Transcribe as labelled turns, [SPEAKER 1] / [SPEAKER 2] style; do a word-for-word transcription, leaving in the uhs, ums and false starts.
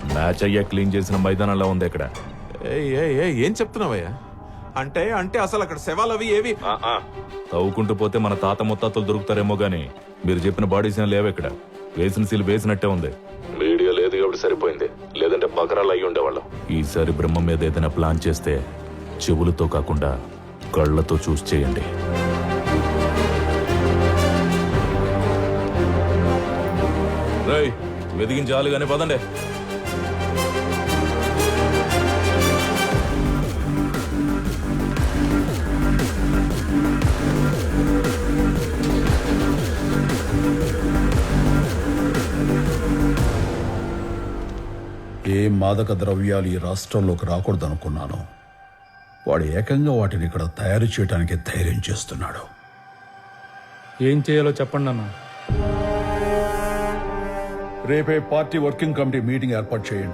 [SPEAKER 1] Match అయ్యా clean చేసిన మైదానంలో ఉంది ఇక్కడ.
[SPEAKER 2] ఏయ్, ఏయ్, ఏయ్, ఏం చెప్తున్నావయ్యా? అంటే అంటే అసలు అక్కడ శవాలు అవి ఏవి?
[SPEAKER 1] తవ్వుకుంటూ పోతే మన తాత ముత్తాతలు దొరుకుతారేమో గానీ మీరు చెప్పిన బాడీస్ ఏం లేవు ఇక్కడ. వేసిన సీల్ వేసినట్టే ఉంది. మీడియా లేదు కాబట్టి సరిపోయింది, లేదంటే బకరాలు అయ్యి ఉండేవాళ్ళం. ఈసారి బ్రహ్మ మీద ఏదైనా ప్లాన్ చేస్తే చెవులతో కాకుండా కళ్ళతో చూసి చేయండి. రై వెదిగించాలి కానీ పదండి.
[SPEAKER 3] ఏ మాదక ద్రవ్యాలు ఈ రాష్ట్రంలోకి రాకూడదనుకున్నాను, వాడు ఏకంగా వాటిని ఇక్కడ తయారు చేయడానికి ధైర్యం చేస్తున్నాడు.
[SPEAKER 4] ఏం చేయాలో చెప్పండి అన్న.
[SPEAKER 3] రేపే పార్టీ వర్కింగ్ కమిటీ మీటింగ్ ఏర్పాటు చేయండి.